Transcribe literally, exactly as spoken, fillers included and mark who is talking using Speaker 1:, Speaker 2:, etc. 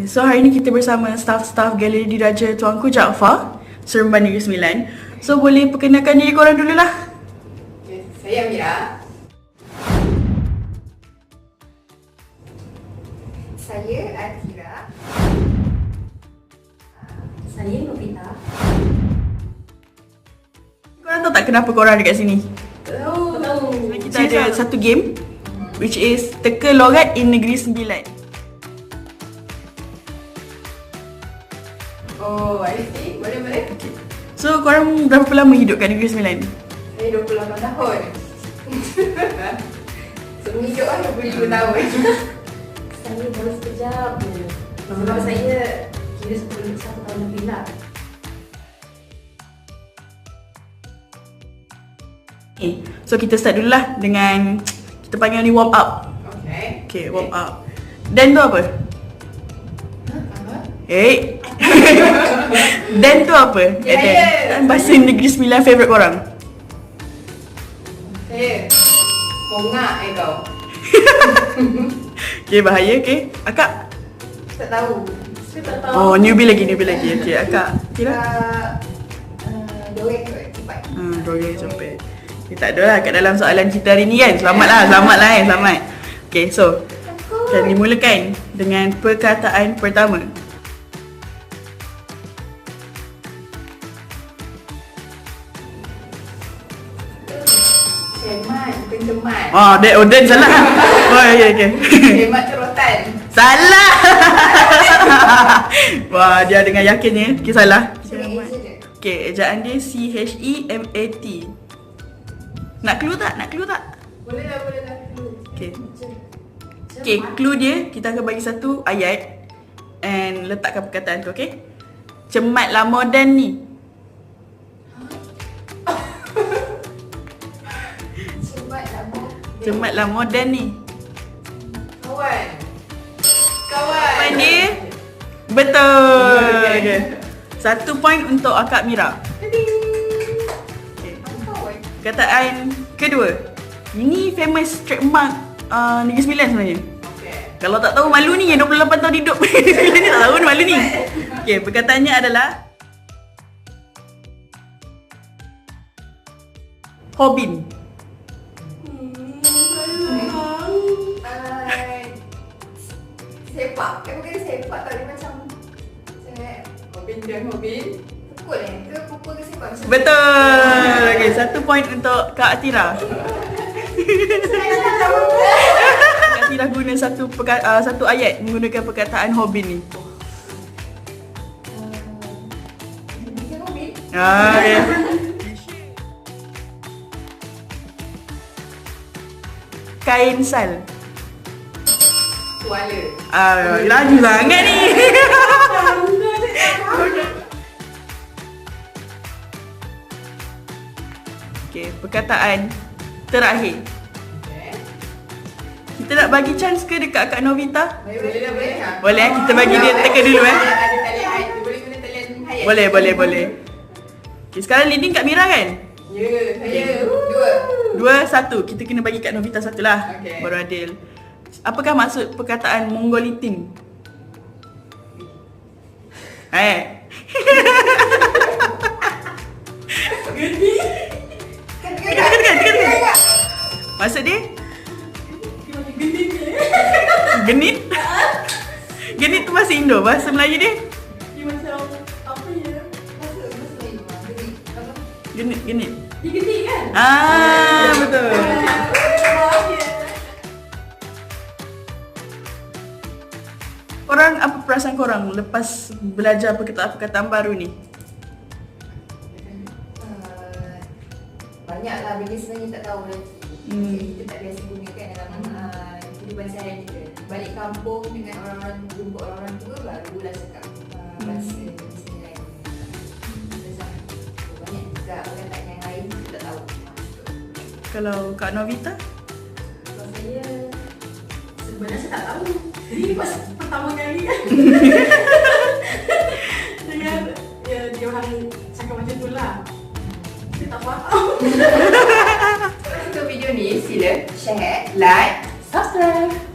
Speaker 1: So hari ni kita bersama staff-staff Galeri Diraja Tuanku Jaafar, Seremban Negeri Sembilan. So boleh perkenalkan diri korang dulu lah.
Speaker 2: Okay, saya Amira.
Speaker 3: Saya Atira.
Speaker 4: Saya Novita.
Speaker 1: Korang tahu tak kenapa korang ada kat sini?
Speaker 4: Tahu, tahu.
Speaker 1: Kita ada satu game which is teka logat in Negeri Sembilan.
Speaker 2: Oh, I see. Boleh, boleh.
Speaker 1: So korang berapa lama hidup kat Negeri Sembilan?
Speaker 2: Saya dua puluh lapan tahun. Sebelum hidup kan dua puluh lima tahun.
Speaker 4: Saya baru sekejap je. Sebab saya kira sepuluh satu tahun lebih lah.
Speaker 1: Okay, so kita start dulu lah dengan kita panggil ni warm up.
Speaker 2: Okay.
Speaker 1: Okay, warm up. Dan tu apa?
Speaker 2: Apa?
Speaker 1: Eh. Dan tu apa?
Speaker 2: Ya,
Speaker 1: Dan.
Speaker 2: ya.
Speaker 1: Bahasa Negeri Sembilan favourite korang?
Speaker 2: Saya Mongak eh kau.
Speaker 1: Okay, bahaya. Okay, akak?
Speaker 2: Tak tahu.
Speaker 4: Saya tak tahu.
Speaker 1: Oh, newbie lagi, newbie lagi. Okay, akak kira?
Speaker 2: Uh, Dorek kot, cepat.
Speaker 1: Hmm, Royal Copet. Okay, tak ada lah kat dalam soalan kita hari ni kan. Selamat lah, selamat lah eh, selamat. Okay, so kita dimulakan dengan perkataan pertama.
Speaker 2: Cemat, bukan cemat.
Speaker 1: Oh, Dan, oh, Dan salah. Oh, okay, okay.
Speaker 2: Cemat tu rotan.
Speaker 1: Salah. Wah, dia dengan yakinnya. Okay, salah.
Speaker 2: Saya eja je.
Speaker 1: Okay, ejaan dia C H E M A T. Nak clue tak? Nak clue tak?
Speaker 2: Boleh lah, boleh lah.
Speaker 1: Okay. Okay, clue dia, kita akan bagi satu ayat and letakkan perkataan tu, okay? Cematlah moden ni.
Speaker 2: Cemat lah, Mo.
Speaker 1: Cematlah moden ni.
Speaker 2: Kawan. Kawan.
Speaker 1: Point dia? Betul.
Speaker 2: Okay.
Speaker 1: Okay. Satu point untuk Akak Mira. Okay.
Speaker 2: Kawan.
Speaker 1: Perkataan kedua. Ini famous trademark uh, Negeri Sembilan sebenarnya.
Speaker 2: Okay.
Speaker 1: Kalau tak tahu malu ni, yang dua puluh lapan tahun hidup Negeri Sembilan ni tak tahu ni malu ni. Okay, perkataannya adalah Hobin.
Speaker 2: Uh, sepak. Eh bukan sepak tau, dia macam macam Hobin dan Hobin. Pukul eh? Ke pukul ke sepak? Macam
Speaker 1: Betul. Okay, satu point untuk Kak Atira.
Speaker 2: Saya tak tahu.
Speaker 1: Kak Atira guna satu perka- uh, satu ayat menggunakan perkataan Hobin ni.
Speaker 2: Hobin dan Hobin?
Speaker 1: Ah, okay. Kain sal.
Speaker 2: Tuala.
Speaker 1: Ah, laju sangat ni. Okay, perkataan terakhir.
Speaker 2: Okay.
Speaker 1: Kita nak bagi chance ke dekat Kak Novita?
Speaker 2: Boleh, boleh lah, boleh lah.
Speaker 1: Boleh eh, kita bagi dia teka dulu eh.
Speaker 2: Ada talian hayat, dia boleh guna talian hayat.
Speaker 1: Boleh, boleh, boleh. Okay, sekarang leading Kak Mira kan?
Speaker 2: Ya, saya. Dua.
Speaker 1: Dua, satu. Kita kena bagi Kak Novita satu lah.
Speaker 2: Okay.
Speaker 1: Baru adil. Apakah maksud perkataan Mongolitin? Eh.
Speaker 2: Geni. Kan, kan,
Speaker 1: Dekat, dekat, dekat, dekat.
Speaker 2: kan.
Speaker 1: Maksud dia?
Speaker 4: Dia macam genit je.
Speaker 1: Genit? Genit tu bahasa Indo. Bahasa Melayu dia?
Speaker 4: Dia macam apa ya?
Speaker 2: Masa, masa lain. Geni. Apa?
Speaker 1: Genit, genit.
Speaker 4: Dia genit kan?
Speaker 1: Ah, betul. Korang, apa perasaan korang lepas belajar perkataan-perkataan baru ni?
Speaker 2: Uh, Banyaklah benda sebenarnya tak tahu lagi.
Speaker 1: Hmm.
Speaker 2: Jadi kita tak biasa gunakan dalam uh, kehidupan seharian kita. Balik kampung dengan orang-orang, jumpa orang-orang tua, barulah cakap uh, bahasa Negeri Sembilan. Banyak juga perkataan yang lain kita tak tahu.
Speaker 1: Kalau Kak Novita?
Speaker 4: Kalau saya sebenarnya saya tak tahu. Ini pas pertama kali kan. Dengan ya, dia orang cakap macam tu lah. Saya tak faham.
Speaker 2: Kalau suka video ni, sila share, like, subscribe.